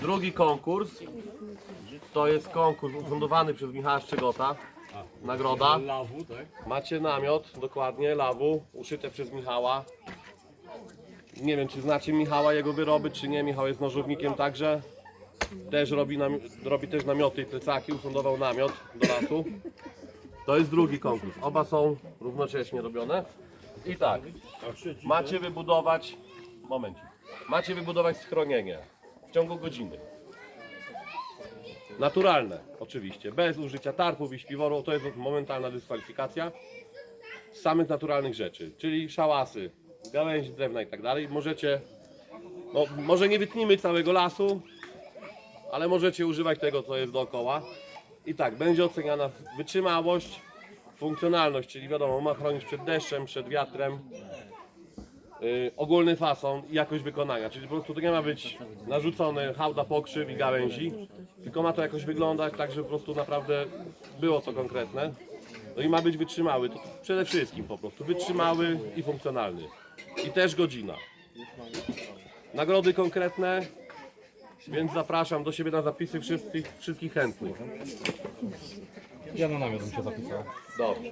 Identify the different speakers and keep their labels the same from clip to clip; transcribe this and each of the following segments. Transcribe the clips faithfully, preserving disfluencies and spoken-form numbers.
Speaker 1: Drugi konkurs to jest konkurs ufundowany przez Michała Szczegota. Nagroda.
Speaker 2: Lawu, tak?
Speaker 1: Macie namiot, dokładnie, lawu, uszyte przez Michała. Nie wiem, czy znacie Michała, jego wyroby, czy nie. Michał jest nożownikiem także. Też robi, nami robi też namioty i plecaki, ufundował namiot do lasu. To jest drugi konkurs. Oba są równocześnie robione. I tak, macie wybudować, momencik, macie wybudować schronienie w ciągu godziny. Naturalne, oczywiście, bez użycia tarpów i śpiworu, to jest momentalna dyskwalifikacja. Z samych naturalnych rzeczy, czyli szałasy, gałęzi drewna i tak dalej. Możecie, no, może nie wytnimy całego lasu, ale możecie używać tego, co jest dookoła. I tak, będzie oceniana wytrzymałość, funkcjonalność, czyli wiadomo, ma chronić przed deszczem, przed wiatrem, yy, ogólny fason i jakość wykonania, czyli po prostu to nie ma być narzucony hałda pokrzyw i gałęzi, tylko ma to jakoś wyglądać tak, żeby po prostu naprawdę było to konkretne. No i ma być wytrzymały, to przede wszystkim po prostu wytrzymały i funkcjonalny. I też godzina. Nagrody konkretne, więc zapraszam do siebie na zapisy wszystkich, wszystkich chętnych.
Speaker 2: Ja na namiot bym się zapisał.
Speaker 1: Dobrze.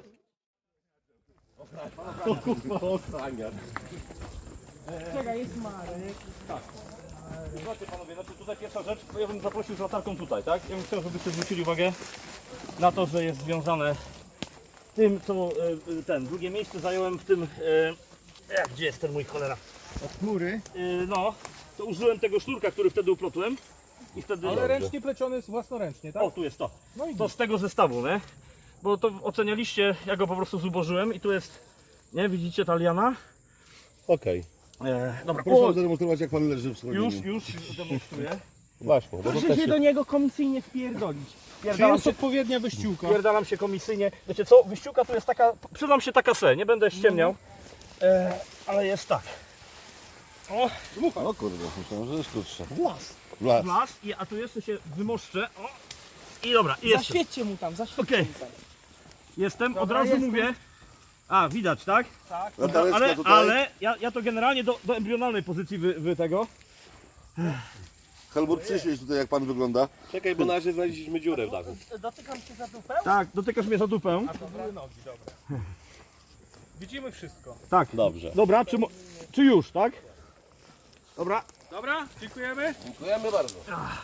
Speaker 1: O kurwa, ochraniacz.
Speaker 3: Czekaj, jest Marek.
Speaker 2: Zobaczcie panowie, znaczy tutaj pierwsza rzecz, bo ja bym zaprosił z latarką tutaj, tak? Ja bym chciał, żebyście zwrócili uwagę na to, że jest związane z tym, co e, ten, drugie miejsce zająłem w tym, e, jak, gdzie jest ten mój cholera?
Speaker 4: Od chmury.
Speaker 2: E, no, to użyłem tego sznurka, który wtedy uplotłem i wtedy...
Speaker 4: Ale ręcznie pleciony jest własnoręcznie, tak?
Speaker 2: O, tu jest to.
Speaker 4: No i
Speaker 2: To z tego zestawu, nie? Bo to ocenialiście, ja go po prostu zubożyłem i tu jest, nie, widzicie ta liana?
Speaker 1: Okej.
Speaker 2: E, dobra,
Speaker 5: Proszę
Speaker 2: o,
Speaker 5: zademonstrować, jak pan leży w schronieniu.
Speaker 2: już, już demonstruję.
Speaker 1: Właśnie, bo to
Speaker 3: Proszę
Speaker 1: też
Speaker 3: się
Speaker 1: się...
Speaker 3: do niego komisyjnie wpierdolić.
Speaker 4: czy
Speaker 2: Pierdalam
Speaker 4: jest
Speaker 2: się,
Speaker 4: odpowiednia wyściółka?
Speaker 2: pierdalam się komisyjnie. Wiecie co, wyściółka tu jest taka, przyznam się taka se, nie będę ściemniał, e, ale jest tak. O,
Speaker 5: O kurde, myślałem, że jest krótsze.
Speaker 4: Włas.
Speaker 5: Las.
Speaker 2: las, i, a tu jeszcze się wymoszczę. O, i dobra, i jestem.
Speaker 3: Zaświećcie mu tam, zaświećcie
Speaker 2: Okej.
Speaker 3: mu tam.
Speaker 2: Jestem, od
Speaker 3: Dobra,
Speaker 2: razu
Speaker 3: jestem.
Speaker 2: mówię. A, widać, tak?
Speaker 3: Tak.
Speaker 5: Latareczka
Speaker 2: Ale,
Speaker 5: tutaj.
Speaker 2: ale ja, ja to generalnie do, do embrionalnej pozycji wy, wy tego.
Speaker 5: Helmut, przyświeć tutaj, jak pan wygląda.
Speaker 1: Czekaj, bo na razie znaleźliśmy dziurę w dachu.
Speaker 3: Dotykam się za dupę.
Speaker 2: Tak, dotykasz mnie za dupę.
Speaker 4: To były nogi, dobra. Widzimy wszystko.
Speaker 2: Tak.
Speaker 1: Dobrze.
Speaker 2: Dobra, czy, mo- czy już, tak? Dobra.
Speaker 4: Dobra, dziękujemy.
Speaker 1: Dziękujemy bardzo.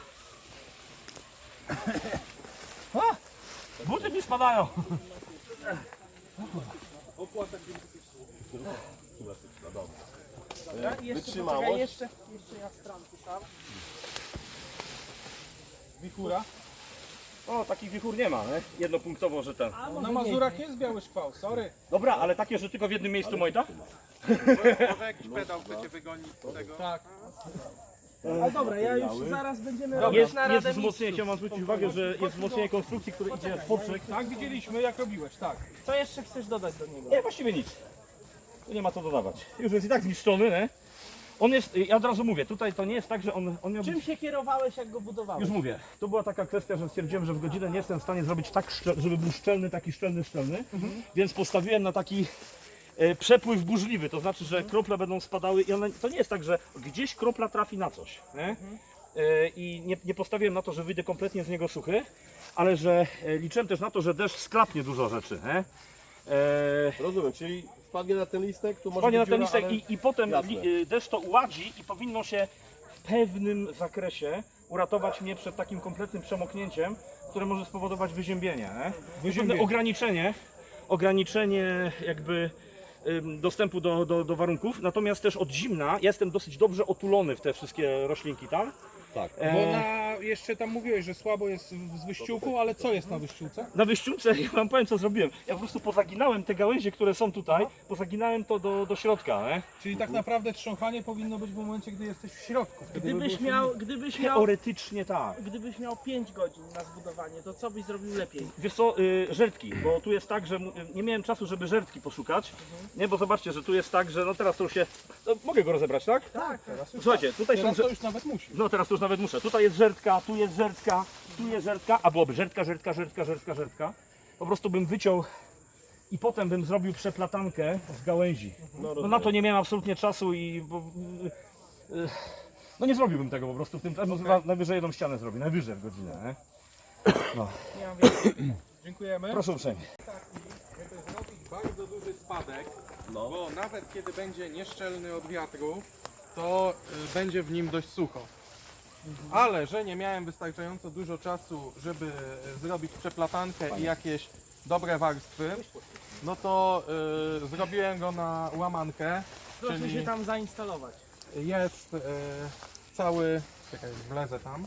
Speaker 2: Buty mi spadają.
Speaker 3: Dobra, i jeszcze,
Speaker 1: Wytrzymałość.
Speaker 3: poczekaj, jeszcze, jeszcze ja stranki tam.
Speaker 4: Wichura.
Speaker 2: O, takich wichur nie ma, nie? Jednopunktowo, że ten.
Speaker 3: A,
Speaker 4: Na
Speaker 3: może
Speaker 4: Mazurach jest biały szkwał, sorry.
Speaker 2: Dobra, ale takie, że tylko w jednym miejscu Mojta?
Speaker 4: Może jakiś pedał chcecie wygonić z tego? Tak.
Speaker 3: nie. Ale dobra, ja już zaraz będziemy
Speaker 2: Jest,
Speaker 3: robić na
Speaker 2: jest
Speaker 3: radę
Speaker 2: wzmocnienie, chciałem wam zwrócić uwagę, że jest wzmocnienie konstrukcji, które idzie w poprzek.
Speaker 4: Tak, widzieliśmy jak robiłeś, tak.
Speaker 3: Co jeszcze chcesz dodać do niego?
Speaker 2: Nie, właściwie nic. Tu nie ma co dodawać. Już jest i tak zniszczony, nie? On jest, ja od razu mówię, tutaj to nie jest tak, że on, on miał być...
Speaker 3: Czym się kierowałeś, jak go budowałeś?
Speaker 2: Już mówię, to była taka kwestia, że stwierdziłem, że w godzinę nie jestem w stanie zrobić tak, szczel- żeby był szczelny, taki szczelny, szczelny, więc postawiłem na taki e, przepływ burzliwy, to znaczy, że krople będą spadały i one, to nie jest tak, że gdzieś kropla trafi na coś, nie? E, i nie, nie postawiłem na to, że wyjdę kompletnie z niego suchy, ale że e, liczyłem też na to, że deszcz sklapnie dużo rzeczy, nie? E,
Speaker 1: Rozumiem, czyli wpadnie na ten listek, tu może
Speaker 2: Wpadnie na
Speaker 1: być
Speaker 2: ten
Speaker 1: dziura,
Speaker 2: listek
Speaker 1: ale...
Speaker 2: i, i potem
Speaker 1: Jasne.
Speaker 2: li, y, deszcz to uładzi i powinno się w pewnym zakresie uratować mnie przed takim kompletnym przemoknięciem, które może spowodować wyziębienie. Nie?
Speaker 4: Wyziębienie.
Speaker 2: Pewne ograniczenie, ograniczenie jakby ym, dostępu do, do, do warunków, natomiast też od zimna ja jestem dosyć dobrze otulony w te wszystkie roślinki tam.
Speaker 1: Tak.
Speaker 4: Bo na, jeszcze tam mówiłeś, że słabo jest z wyściółką, ale co jest na wyściółce?
Speaker 2: Na wyściółce, ja wam powiem co zrobiłem, ja po prostu pozaginałem te gałęzie, które są tutaj, pozaginałem to do, do środka. Nie?
Speaker 4: Czyli tak naprawdę trząchanie powinno być w momencie, gdy jesteś w środku. Wtedy by
Speaker 3: Gdybyś
Speaker 4: było
Speaker 3: miał, gdybyś miał,
Speaker 2: Teoretycznie tak.
Speaker 3: gdybyś miał pięć godzin na zbudowanie, to co byś zrobił lepiej?
Speaker 2: Wiesz co, y, żertki, bo tu jest tak, że mu- nie miałem czasu, żeby żertki poszukać. Nie, bo zobaczcie, że tu jest tak, że no teraz to już się... No, mogę go rozebrać, tak?
Speaker 3: Tak,
Speaker 2: Słuchajcie, tutaj są...
Speaker 4: Teraz
Speaker 2: żer-
Speaker 4: to już nawet musi.
Speaker 2: No teraz to już nawet muszę. Tutaj jest żertka, tu jest żertka, tu jest żertka, a byłoby żertka, żertka, żertka, żertka, żertka. Po prostu bym wyciął i potem bym zrobił przeplatankę z gałęzi. No na to nie miałem absolutnie czasu i... Bo, y, y, No nie zrobiłbym tego po prostu w tym czasie, okay. Najwyżej jedną ścianę zrobię, najwyżej w godzinę, nie? No.
Speaker 4: Nie mam więcej. Dziękujemy.
Speaker 2: Proszę uprzejmie.
Speaker 4: Żeby zrobić bardzo duży spadek,
Speaker 1: No.
Speaker 4: bo nawet kiedy będzie nieszczelny od wiatru, to y, będzie w nim dość sucho. Ale że nie miałem wystarczająco dużo czasu, żeby y, zrobić przeplatankę i jakieś dobre warstwy, no to y, zrobiłem go na łamankę,
Speaker 3: Proszę
Speaker 4: czyli
Speaker 3: się tam zainstalować.
Speaker 4: jest y, cały... Czekaj, wlezę tam.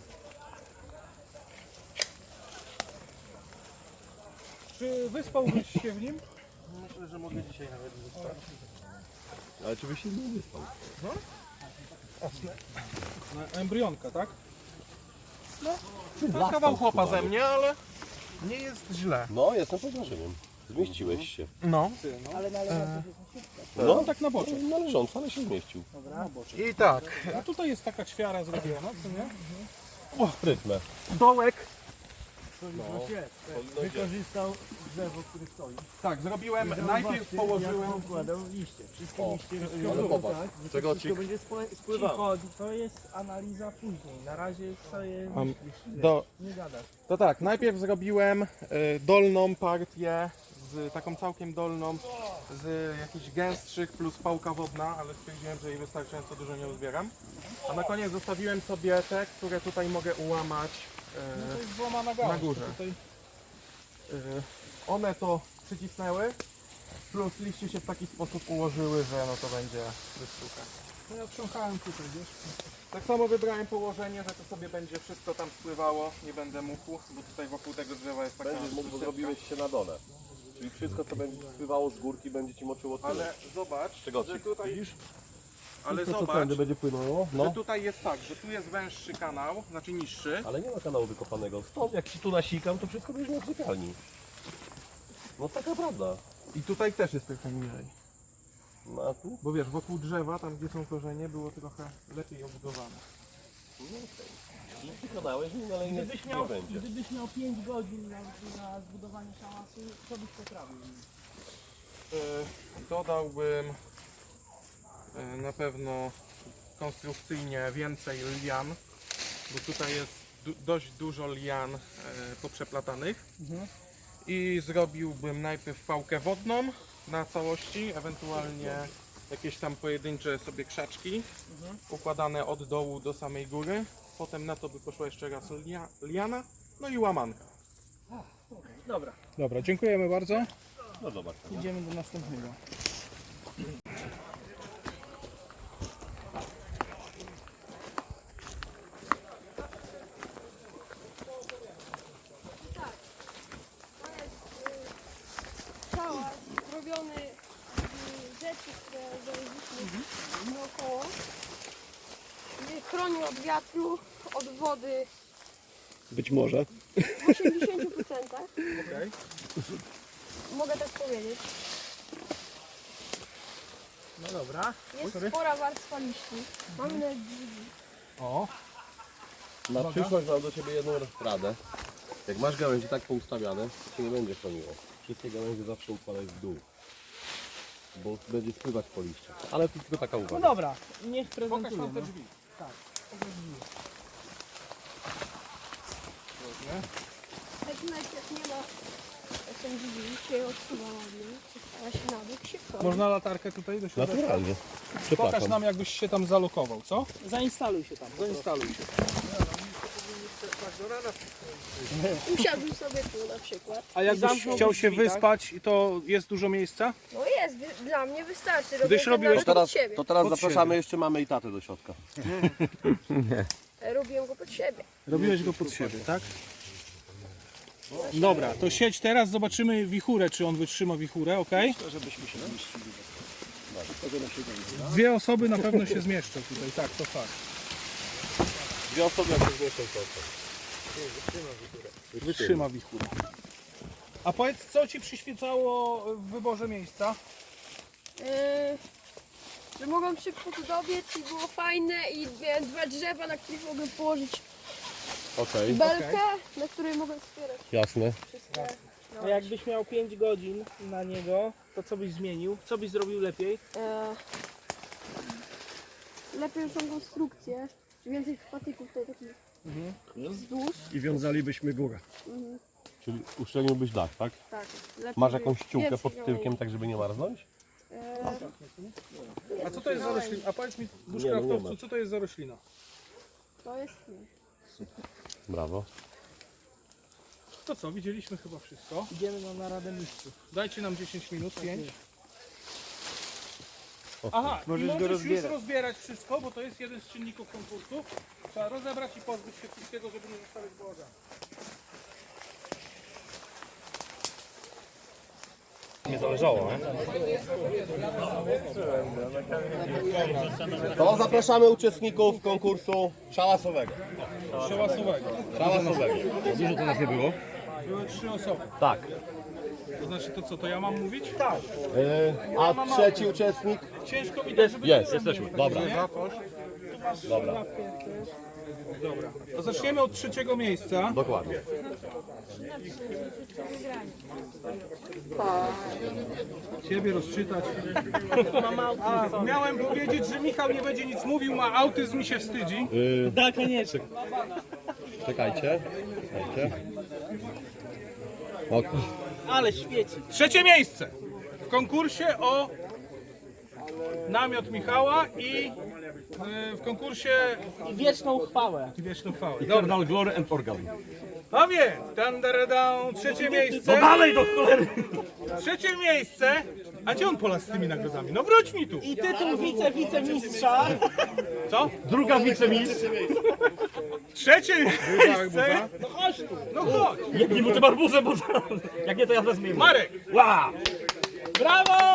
Speaker 4: Czy wyspałbyś się w nim?
Speaker 1: Myślę, że mogę dzisiaj nawet wyspać. Ale czy byś się nie wyspał?
Speaker 4: Na embrionka, tak? No, to kawał chłopa ze mnie, ale nie jest źle.
Speaker 1: No, jestem pod wrażeniem. Zmieściłeś się.
Speaker 4: No.
Speaker 3: Ale należy
Speaker 1: No,
Speaker 4: tak na boczek.
Speaker 1: należąco, ale się zmieścił.
Speaker 4: I tak. A tutaj jest taka ćwiara zrobiona, co nie?
Speaker 1: O, rytmę.
Speaker 2: Dołek
Speaker 3: wykorzystał drzewo, które stoi.
Speaker 4: Tak, zrobiłem, najpierw położyłem...
Speaker 3: Układał liście. Wszystkie
Speaker 1: O,
Speaker 3: liście
Speaker 1: ale popatrz, czego ci...
Speaker 3: wszystko będzie spły- spływało. Cicho, to jest analiza później. Na razie to jest...
Speaker 4: Um, do,
Speaker 3: Nie gadasz.
Speaker 4: to tak, najpierw zrobiłem y, dolną partię, z taką całkiem dolną, z jakichś gęstszych plus pałka wodna, ale stwierdziłem, że jej wystarczająco dużo nie uzbieram. A na koniec zostawiłem sobie te, które tutaj mogę ułamać y,
Speaker 3: To jest złamana
Speaker 4: na górze. Y, one to przycisnęły, plus liście się w taki sposób ułożyły, że no to będzie wystuka.
Speaker 3: No ja trząchałem tutaj, wiesz?
Speaker 4: Tak samo wybrałem położenie, że to sobie będzie wszystko tam spływało, nie będę mógł, bo tutaj wokół tego drzewa jest taka
Speaker 1: Będziesz mógł, bo
Speaker 4: sztuczka.
Speaker 1: zrobiłeś się na dole. Czyli wszystko, co będzie spływało z górki, będzie ci moczyło tyle.
Speaker 4: Ale zobacz,
Speaker 1: Czego
Speaker 4: że
Speaker 1: ci
Speaker 4: tutaj...
Speaker 1: widzisz?
Speaker 4: Ale
Speaker 1: Wszystko, co
Speaker 4: zobacz,
Speaker 1: tędy będzie płynęło.
Speaker 4: że
Speaker 1: No.
Speaker 4: tutaj jest tak, że tu jest węższy kanał, znaczy niższy.
Speaker 1: Ale nie ma kanału wykopanego. Stąd jak się tu nasikam, to wszystko będzie miał w sypialni. No taka prawda.
Speaker 4: I tutaj też jest trochę niżej.
Speaker 1: No a tu?
Speaker 4: Bo wiesz, wokół drzewa, tam gdzie są korzenie, było trochę lepiej obudowane.
Speaker 1: No okej. I przekonałeś mnie, ale nie,
Speaker 3: Gdybyś
Speaker 1: nie
Speaker 3: miał,
Speaker 1: będzie.
Speaker 3: gdybyś miał pięć godzin na, na zbudowanie szałasu, co byś poprawił?
Speaker 4: Yy, dodałbym yy, na pewno konstrukcyjnie więcej lian, bo tutaj jest du dość dużo lian yy, poprzeplatanych. I zrobiłbym najpierw pałkę wodną na całości, ewentualnie jakieś tam pojedyncze sobie krzaczki układane od dołu do samej góry. Potem na to by poszła jeszcze raz lia liana, no i łamanka.
Speaker 3: Dobra,
Speaker 4: Dobra, dziękujemy bardzo.
Speaker 1: No zobacz.
Speaker 3: idziemy do następnego.
Speaker 6: Szałas robiony z rzeczy, które znaleźliśmy naokoło. Nie chroni od wiatru, od wody
Speaker 1: Być może.
Speaker 6: w osiemdziesięciu procentach.
Speaker 4: Okej.
Speaker 6: Mogę tak powiedzieć.
Speaker 3: No dobra.
Speaker 6: Jest spora warstwa liści. Mamy nawet drzwi.
Speaker 4: O,
Speaker 1: Na przyszłość mam do Ciebie jedną radę. Jak masz gałęzie tak poustawiane, to się nie będzie chroniło. Wszystkie gałęzie zawsze układaj w dół. Bo będzie spływać po liściach. Ale to tylko taka
Speaker 3: No
Speaker 1: uwaga.
Speaker 3: dobra, niech
Speaker 4: pokaż
Speaker 3: prezentuje.
Speaker 4: nam te
Speaker 3: No.
Speaker 4: drzwi.
Speaker 6: Tak najpierw nie ma, jak są drzwi, się odsuwa ładnie, przestała się na bok, się wchodzi.
Speaker 4: Można latarkę tutaj do środka?
Speaker 1: Naturalnie.
Speaker 4: Pokaż
Speaker 1: Przepraszam.
Speaker 4: nam, jakbyś się tam zalokował, co?
Speaker 3: Zainstaluj się tam.
Speaker 4: Zainstaluj się.
Speaker 6: Usiadł sobie tu na przykład.
Speaker 4: A jakbyś
Speaker 3: zamknął
Speaker 4: chciał się
Speaker 3: drzwi, tak?
Speaker 4: wyspać, to jest dużo miejsca?
Speaker 6: No jest, wy- dla mnie wystarczy. Robię
Speaker 4: Gdyś
Speaker 6: to
Speaker 4: robiłeś
Speaker 6: nawet
Speaker 1: To teraz,
Speaker 6: pod siebie.
Speaker 1: to teraz
Speaker 4: Pod
Speaker 1: zapraszamy
Speaker 4: siebie.
Speaker 1: jeszcze mamy i tatę do środka.
Speaker 6: Robiłem go pod siebie.
Speaker 4: Robiłeś go pod siebie, tak? Dobra, to siedź teraz, zobaczymy wichurę, czy on wytrzyma wichurę, ok? Dwie osoby na pewno się zmieszczą tutaj, tak, to fakt.
Speaker 1: Dwie osoby jak się zmieszczą w środku.
Speaker 4: Wytrzyma wichurę. A powiedz, co Ci przyświecało w wyborze miejsca?
Speaker 6: Yy, że mogłem szybko tu dobiec i było fajne i miałem dwa drzewa, na których mogłem położyć
Speaker 1: Okej,
Speaker 6: belkę, na której mogłem wspierać
Speaker 1: jasne.
Speaker 6: wszystkie.
Speaker 3: A jakbyś miał pięć godzin na niego, to co byś zmienił? Co byś zrobił lepiej?
Speaker 6: E, lepiej już tą konstrukcję, więcej patyków to taki wzdłuż.
Speaker 2: I wiązalibyśmy górę.
Speaker 1: Czyli uszczelniłbyś dach, tak?
Speaker 6: Tak. Lepiej
Speaker 1: Masz
Speaker 6: by-
Speaker 1: jakąś ściółkę
Speaker 6: więcej
Speaker 1: pod
Speaker 6: miało-
Speaker 1: tyłkiem, tak żeby nie marznąć?
Speaker 6: Eee,
Speaker 4: A co to jest za roślina? A powiedz mi,
Speaker 1: Nie, no nie
Speaker 4: bushcraftowcu,
Speaker 1: ma.
Speaker 4: co to jest za roślina?
Speaker 6: to jest...
Speaker 1: Brawo.
Speaker 4: To co, widzieliśmy chyba wszystko.
Speaker 3: Idziemy na naradę mistrzów.
Speaker 4: Dajcie nam dziesięć minut, pięć. Aha,
Speaker 3: Możesz
Speaker 4: i
Speaker 3: go
Speaker 4: możesz już
Speaker 3: rozbierać.
Speaker 4: rozbierać wszystko, bo to jest jeden z czynników konkursu. Trzeba rozebrać i pozbyć się wszystkiego, żeby nie zostawiać bałaganu.
Speaker 2: Nie zależało, nie?
Speaker 1: To zapraszamy uczestników konkursu szałasowego.
Speaker 4: Przełasowego.
Speaker 1: Szałasowego.
Speaker 2: Dużo to nas nie było.
Speaker 4: Były trzy osoby.
Speaker 1: Tak.
Speaker 4: To znaczy to co, to ja mam mówić?
Speaker 3: Tak.
Speaker 1: Yy, a trzeci uczestnik?
Speaker 4: Ciężko mi dać, żeby...
Speaker 1: Jest, jesteśmy. Dobra. Dobra.
Speaker 4: Dobra. To zaczniemy od trzeciego miejsca.
Speaker 1: Dokładnie.
Speaker 4: Ciebie rozczytać. A, miałem powiedzieć, że Michał nie będzie nic mówił, ma autyzm i się wstydzi.
Speaker 3: Tak, koniecznie.
Speaker 1: Czekajcie. Czekajcie. Ok.
Speaker 3: Ale świeci.
Speaker 4: Trzecie miejsce w konkursie o namiot Michała i y, w konkursie
Speaker 3: I wieczną chwałę.
Speaker 4: wieczną chwałę.
Speaker 2: Eternal Glory and Organ.
Speaker 4: A więc, dan, dan, dan, trzecie miejsce.
Speaker 2: No dalej do cholery!
Speaker 4: Trzecie miejsce. A gdzie on polas z tymi nagrodami? No wróć mi tu.
Speaker 3: I tytuł wice, wicemistrza.
Speaker 4: Co?
Speaker 2: Druga wicemistrz.
Speaker 4: Trzecie miejsce.
Speaker 3: No chodź tu.
Speaker 4: No chodź.
Speaker 2: Nie mu tym arbuzem, bo zaraz. Jak nie, to ja wezmę.
Speaker 4: Marek.
Speaker 2: Ła!
Speaker 3: Brawo!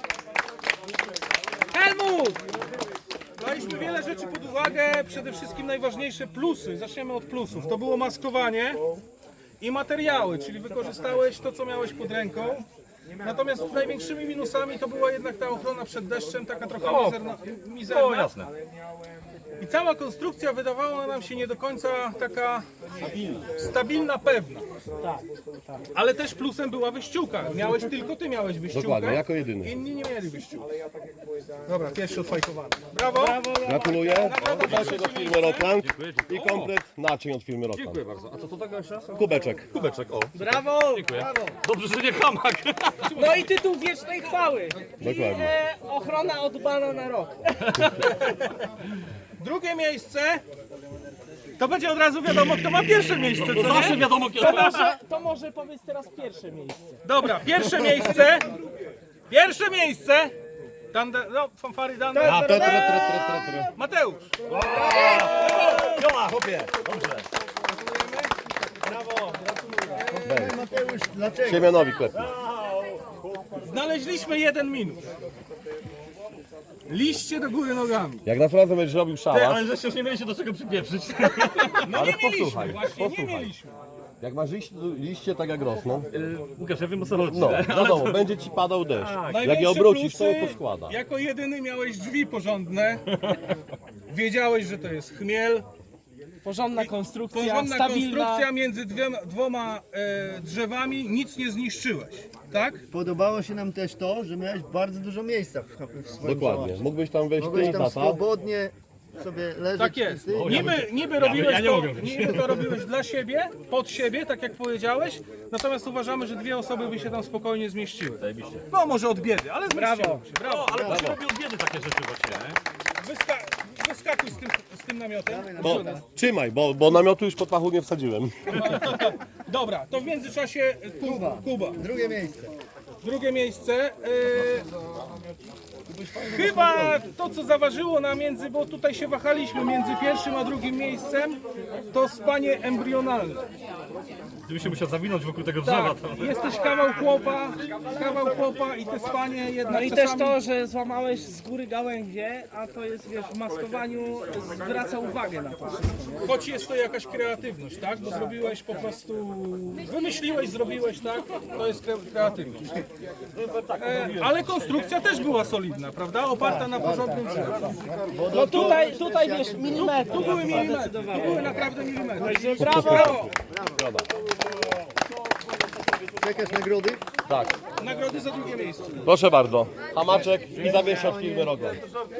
Speaker 4: Helmut! Daliśmy wiele rzeczy pod uwagę, przede wszystkim najważniejsze plusy. Zaczniemy od plusów. To było maskowanie i materiały, czyli wykorzystałeś to, co miałeś pod ręką. Natomiast największymi minusami to była jednak ta ochrona przed deszczem, taka trochę
Speaker 2: O,
Speaker 4: mizerna. mizerna.
Speaker 2: O, jasne.
Speaker 4: I cała konstrukcja wydawała nam się nie do końca taka stabilna, pewna. Ale też plusem była wyściółka. Miałeś tylko ty miałeś wyściółkę.
Speaker 1: Dokładnie, jako jedyny.
Speaker 4: Inni nie mieli wyściółki. Dobra, pierwszy odfajkowany. Brawo!
Speaker 1: Gratuluję.
Speaker 4: Nagroda
Speaker 1: Proszę do firmy Rockland i komplet naczyń od firmy Rockland.
Speaker 2: Dziękuję bardzo. A co to tego jeszcze raz?
Speaker 1: Kubeczek.
Speaker 2: Kubeczek, o.
Speaker 3: Brawo!
Speaker 2: Dziękuję. Dobrze, że nie hamak.
Speaker 3: No i tytuł wiecznej chwały.
Speaker 1: Dokładnie.
Speaker 3: E, ochrona od bana na rok.
Speaker 4: Drugie miejsce. To będzie od razu wiadomo, kto ma pierwsze miejsce, co
Speaker 2: Zawsze
Speaker 4: nie?
Speaker 2: wiadomo, kiedy
Speaker 3: To może, to może powiedz teraz pierwsze miejsce.
Speaker 4: Dobra, pierwsze miejsce. Pierwsze miejsce. Danda, no, fanfary dan.
Speaker 1: A, to, to, to, to, to, to.
Speaker 4: Mateusz.
Speaker 2: Jola, chłopie. Dobrze.
Speaker 1: Siemianowi klepnie.
Speaker 4: Znaleźliśmy jeden minus. Liście do góry nogami.
Speaker 1: Jak naprawdę będziesz robił
Speaker 2: Ty,
Speaker 1: szałas,
Speaker 2: ale żeście już nie mieli się do czego przypieprzyć.
Speaker 4: No
Speaker 1: Ale
Speaker 4: nie mieliśmy,
Speaker 1: posłuchaj,
Speaker 4: właśnie nie
Speaker 1: posłuchaj.
Speaker 4: mieliśmy.
Speaker 1: jak masz liście, liście tak jak rosną,
Speaker 2: Łukasz, ja wiem o co chodzi.
Speaker 1: no
Speaker 2: nie?
Speaker 1: wiadomo, będzie ci padał deszcz. Jak je
Speaker 4: Największe
Speaker 1: obrócisz, to
Speaker 4: plusy,
Speaker 1: to składa.
Speaker 4: jako jedyny miałeś drzwi porządne. Wiedziałeś, że to jest chmiel.
Speaker 3: Porządna konstrukcja,
Speaker 4: Porządna
Speaker 3: stabilna.
Speaker 4: konstrukcja między dwiema, dwoma e, drzewami, nic nie zniszczyłeś, tak?
Speaker 7: Podobało się nam też to, że miałeś bardzo dużo miejsca w, w swoim
Speaker 1: Dokładnie.
Speaker 7: pałacu.
Speaker 1: Mógłbyś tam wejść ty
Speaker 7: Mogłeś
Speaker 1: i
Speaker 7: tam
Speaker 1: tata.
Speaker 7: swobodnie sobie leżeć.
Speaker 4: Tak
Speaker 7: i
Speaker 4: jest.
Speaker 7: ty-
Speaker 4: Niby, niby robiłeś
Speaker 2: ja nie
Speaker 4: to,
Speaker 2: mogę wyjść.
Speaker 4: niby to robiłeś dla siebie, pod siebie, tak jak powiedziałeś, natomiast uważamy, że dwie osoby by się tam spokojnie zmieściły. No może od biedy, ale zmieściły się. Brawo.
Speaker 2: No, ale to się robi od biedy takie rzeczy właśnie, nie?
Speaker 4: Wyska wyskakuj z tym, z tym namiotem.
Speaker 1: No, trzymaj, bo, bo namiotu już pod pachu nie wsadziłem.
Speaker 4: Dobra, to w międzyczasie Kuba. Kuba.
Speaker 7: Drugie miejsce.
Speaker 4: Drugie miejsce. Yy, chyba to, co zaważyło na między, bo tutaj się wahaliśmy między pierwszym a drugim miejscem, to spanie embrionalne.
Speaker 2: Gdybyś się musiał zawinąć wokół tego drzewa,
Speaker 4: Tak,
Speaker 2: to...
Speaker 4: jesteś kawał chłopa, kawał chłopa i te spanie jednak
Speaker 3: No i też
Speaker 4: czasami...
Speaker 3: to, że złamałeś z góry gałęzie, a to jest, wiesz, w maskowaniu zwraca uwagę na to wszystko.
Speaker 4: Choć jest to jakaś kreatywność, tak? Bo zrobiłeś po prostu... Wymyśliłeś, zrobiłeś, tak? To jest kre kreatywność. E, ale konstrukcja też była solidna. solidna, prawda? Oparta na porządnym drzewie.
Speaker 3: No tutaj, tutaj wiesz, milimetry. Tu były milimetry, tu były naprawdę milimetry. Także brawo!
Speaker 7: Czekasz nagrody?
Speaker 1: Tak.
Speaker 4: Nagrody za drugie miejsce.
Speaker 1: Proszę bardzo. Hamaczek i zawiesz od firmy Roglan.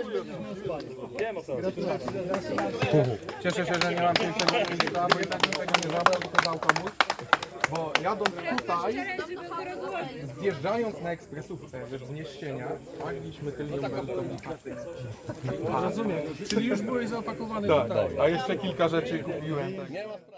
Speaker 4: Cieszę się, że nie mam pięknego miejsca, bo jednak bym tego nie zabrał, tylko dał komuś. Bo jadąc tutaj, zjeżdżając na ekspresówce, wiesz, z Nieszczenia, pagliśmy tylnią beltownicę. Rozumiem, czyli już byłeś zaopakowany tutaj. Tak, a jeszcze kilka rzeczy kupiłem.
Speaker 1: Nie ma sprawy.